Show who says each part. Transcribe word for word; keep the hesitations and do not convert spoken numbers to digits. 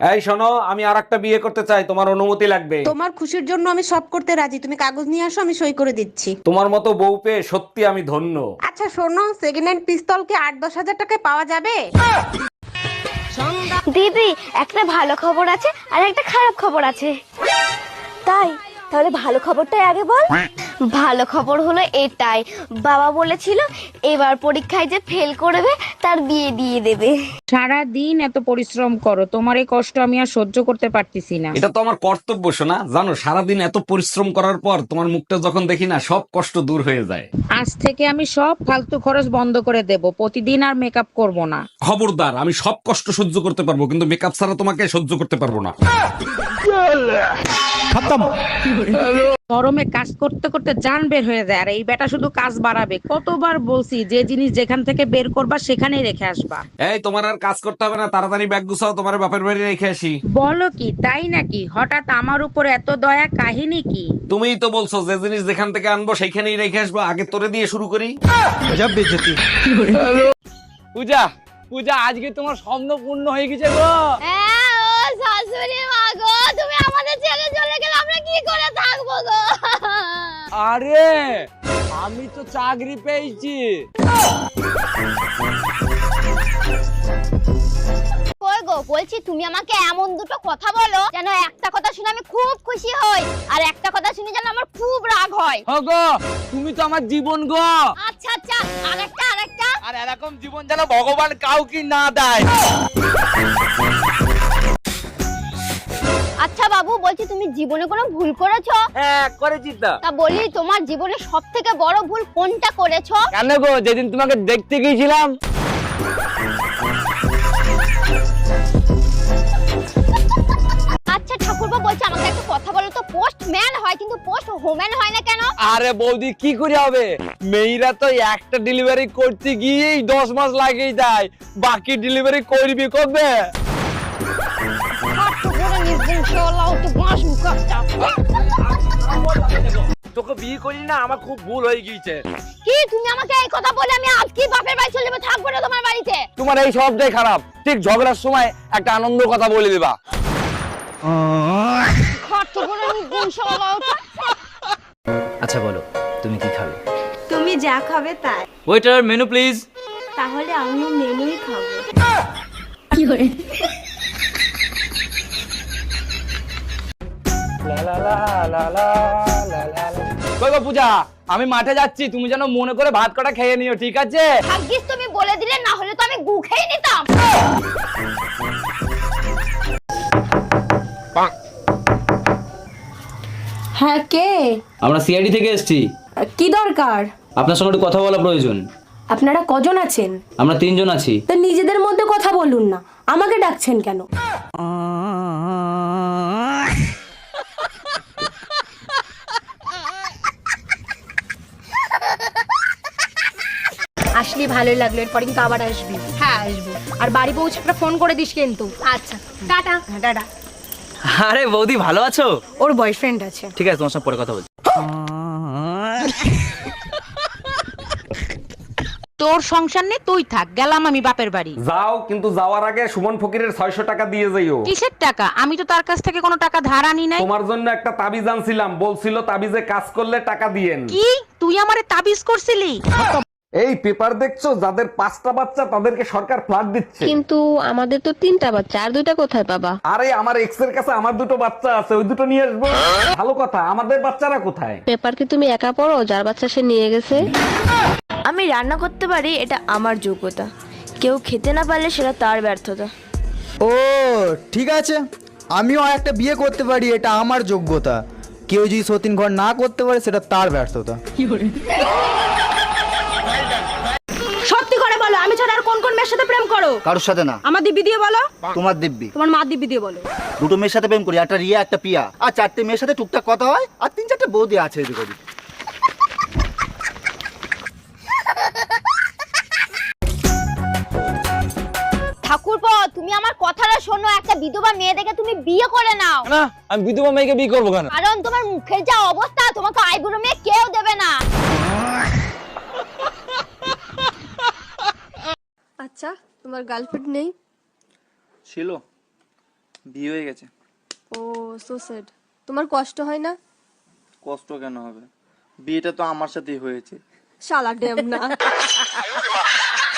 Speaker 1: এই শোনো, আমি আরেকটা বিয়ে করতে চাই, তোমার অনুমতি লাগবে।
Speaker 2: তোমার খুশির জন্য আমি সব করতে রাজি, তুমি কাগজ নিয়ে আসো, আমি সই করে দিচ্ছি।
Speaker 1: তোমার মতো বউ পেয়ে সত্যি আমি ধন্য।
Speaker 2: আচ্ছা শোনো, সেকেন্ড হ্যান্ড পিস্তল কি আট দশ হাজার টাকায় পাওয়া যাবে?
Speaker 3: দিদি, একটা ভালো খবর আছে আর একটা খারাপ খবর আছে। তাই? তাহলে ভালো খবরটাই আগে বল। ভালো খবর হলো এটাই, বাবা বলেছিল এবার পরীক্ষায় যে ফেল করবে তার বিয়ে দিয়ে দেবে।
Speaker 4: সারা দিন এত পরিশ্রম করো, তোমার এই কষ্ট আমি আর সহ্য করতে পারতেছি না।
Speaker 1: এটা তো আমার কর্তব্য শোনা, জানো সারাদিন এত পরিশ্রম করার পর তোমার মুখটা যখন দেখি না, সব কষ্ট দূর হয়ে যায়।
Speaker 4: আজ থেকে আমি সব ফালতু খরচ বন্ধ করে দেব, প্রতিদিন আর মেকআপ করব না।
Speaker 1: খবরদার, আমি সব কষ্ট সহ্য করতে পারবো, কিন্তু মেকআপ ছাড়া তোমাকে সহ্য করতে পারবো না।
Speaker 4: গরমে কাজ করতে করতে জান বের হয়ে যায়, আর এই বেটা শুধু কাজ বাড়াবে। কতবার বলছি যে জিনিস যেখান থেকে বের করবা সেখানেই রেখে আসবা।
Speaker 1: এই তোমার আর কাজ করতে হবে না, তাড়াতাড়ি ব্যাগ গুছাও, তোমার বাপের বাড়ি রেখে আসি।
Speaker 4: বলো কি, তাই নাকি? হঠাৎ আমার উপর এত দয়া, কাহিনী কি?
Speaker 1: তুমিই তো বলছো যে জিনিস যেখান থেকে আনবো সেইখানেই রেখে আসবো, আগে তোরে দিয়ে শুরু করি।
Speaker 5: পূজা, পূজা, আজকে তোমার স্বপ্ন পূর্ণ হয়ে গেছে গো।
Speaker 3: হ্যাঁ ও শাশুড়ি মা গো, তুমি আমাদের ছেড়ে চলে গেলে আমরা কি করে থাকবো গো?
Speaker 5: আরে আমি তো চাকরি পেয়েছি।
Speaker 3: কই গো, বলছি তুমি আমাকে এমন দুটো কথা বলো যেন একটা কথা শুনে আমি খুব খুশি হই আর একটা কথা শুনে যেন আমার খুব রাগ হয়।
Speaker 5: হ গো, তুমি তো আমার জীবন গো।
Speaker 3: আচ্ছা আচ্ছা, আরেকটা আরেকটা।
Speaker 5: আর এরকম জীবন যেন ভগবান কাউকে না দেয়।
Speaker 3: আচ্ছা বাবু, বলছি তুমি জীবনে কোনো ভুল করেছো?
Speaker 5: হ্যাঁ করেছি তো।
Speaker 3: তা বলি তোমার জীবনে সব থেকে বড় ভুল কোনটা করেছো?
Speaker 5: কেন গো, যেদিন তোমাকে দেখতে গিয়েছিলাম।
Speaker 3: আচ্ছা ঠাকুরপো, বলছি আমাকে একটা কথা বলো তো, পোস্টম্যান হয় কিন্তু পোস্ট হোম্যান হয় না কেন?
Speaker 5: আরে বৌদি, কি করে হবে? মেয়েরা তো একটা ডেলিভারি করতে গিয়েই দশ মাস লাগিয়ে দেয়, বাকি ডেলিভারি করবি কবে? তোকে বিয়ে করি না, আমার খুব ভুল হয়ে গিয়েছে।
Speaker 3: কি তুমি আমাকে এই কথা বলে আমি আজকে বাপের বাড়ি চলে যাবো, থাকবো না তোমার বাড়িতে?
Speaker 5: তোমার এই সবটাই খারাপ। ঠিক ঝগড়ার সময় একটা আনন্দ কথা বলে দিবা।
Speaker 6: আচ্ছা বলো, তুমি কি খাবে?
Speaker 7: তুমি যা খাবে তাই।
Speaker 6: Waiter, menu please.
Speaker 7: তাহলে আমিও মেনুই খাবো।
Speaker 3: কি করে?
Speaker 5: কই গো পূজা, আমি মাঠে যাচ্ছি, তুমি যেন মনে করে ভাত কটা খেয়ে নিও, ঠিক আছে?
Speaker 3: ভাগ্যিস তুমি বলে দিলে, না হলে তো আমি গু খেয়ে নিতাম।
Speaker 7: হ্যাঁ কে?
Speaker 6: আমরা সিআইডি থেকে এসেছি,
Speaker 7: কি দরকার?
Speaker 6: আপনার সঙ্গে একটু কথা বলা প্রয়োজন।
Speaker 7: আপনারা কজন আছেন?
Speaker 6: আমরা তিনজন আছি।
Speaker 7: তো নিজেদের মধ্যে কথা বলুন না, আমাকে ডাকছেন কেন?
Speaker 8: আসলে ভালোই লাগলো, এরপরে কিন্তু আবার আসবি। হ্যাঁ আসবো, আর বাড়ি পৌঁছে একটা ফোন করে দিস কিন্তু। আচ্ছা টাটা। হ্যাঁ টাটা।
Speaker 6: আরে বৌদি, ভালো আছো?
Speaker 8: ওর বয়ফ্রেন্ড আছে।
Speaker 6: ঠিক আছে, তোমার সঙ্গে পরে কথা বলছি।
Speaker 4: তোর সংসার নে, তুই থাক, গেলাম আমি বাপের বাড়ি।
Speaker 1: যাও, কিন্তু যাওয়ার আগে সুমন ফকিরের ছয়শো টাকা দিয়ে যাইও।
Speaker 4: কিসের টাকা? আমি তো তার কাছ থেকে কোনো টাকা ধার আনি নাই।
Speaker 1: তোমার জন্য একটা তাবিজ আনছিলাম, বলছিল তাবিজে কাজ করলে টাকা দিয়েন।
Speaker 4: কি তুই আমারে তাবিজ করছিলি?
Speaker 1: এই পেপার দেখছো, যাদের পাঁচটা বাচ্চা তাদেরকে সরকার ফ্ল্যাট দিচ্ছে।
Speaker 9: কিন্তু আমাদের তো তিনটা বাচ্চা, আর দুইটা কোথায় পাবা?
Speaker 1: আরে আমার এক্স এর কাছে আমার দুটো বাচ্চা আছে, ওই দুটো নিয়ে আসবো। ভালো কথা, আমাদের বাচ্চারা কোথায়?
Speaker 9: পেপার কি তুমি একা পড়ো? যার বাচ্চা সে নিয়ে গেছে।
Speaker 7: আমি রান্না করতে পারি, এটা আমার যোগ্যতা। কেউ খেতে না পারলে সেটা তার ব্যর্থতা।
Speaker 10: ও ঠিক আছে, আমিও একটা বিয়ে করতে পারি, এটা আমার যোগ্যতা। কেউ যদি সতীন ঘর না করতে পারে সেটা তার ব্যর্থতা।
Speaker 8: সত্যি করে বলো, আমি ছাড়া আর কোন কোন মেয়ের সাথে প্রেম করো?
Speaker 10: কারোর সাথে না।
Speaker 8: আমার দিব্যি দিয়ে বলো।
Speaker 10: তোমার দিব্যি।
Speaker 8: তোমার মা দিব্যি দিয়ে বলো।
Speaker 10: দুটো মেয়ের সাথে প্রেম করি, একটা রিয়া একটা পিয়া, আর চারটে মেয়ের সাথে টুকটাক কথা হয়, আর তিন চারটে বৌদি আছে এদিক ওদিক।
Speaker 3: ঠাকুরপো, তুমি আমার কথাটা শোনো, একটা বিধবা মেয়ে দেখে তুমি বিয়ে করে নাও।
Speaker 5: না, আমি বিধবা মেয়েকে বিয়ে করবো কেন?
Speaker 3: কারণ তোমার মুখের যা অবস্থা, তোমাকে আইবুড়ো মেয়ে কেউ দেবে না।
Speaker 9: আচ্ছা, তোমার গার্লফ্রেন্ড নেই?
Speaker 10: ছিল,
Speaker 5: বিয়ে হয়ে গেছে।
Speaker 7: Oh so sad. তোমার কষ্ট হয় না?
Speaker 5: কষ্ট কেন হবে, বিয়েটা তো আমার সাথেই হয়েছে।
Speaker 7: শালা ডেম না।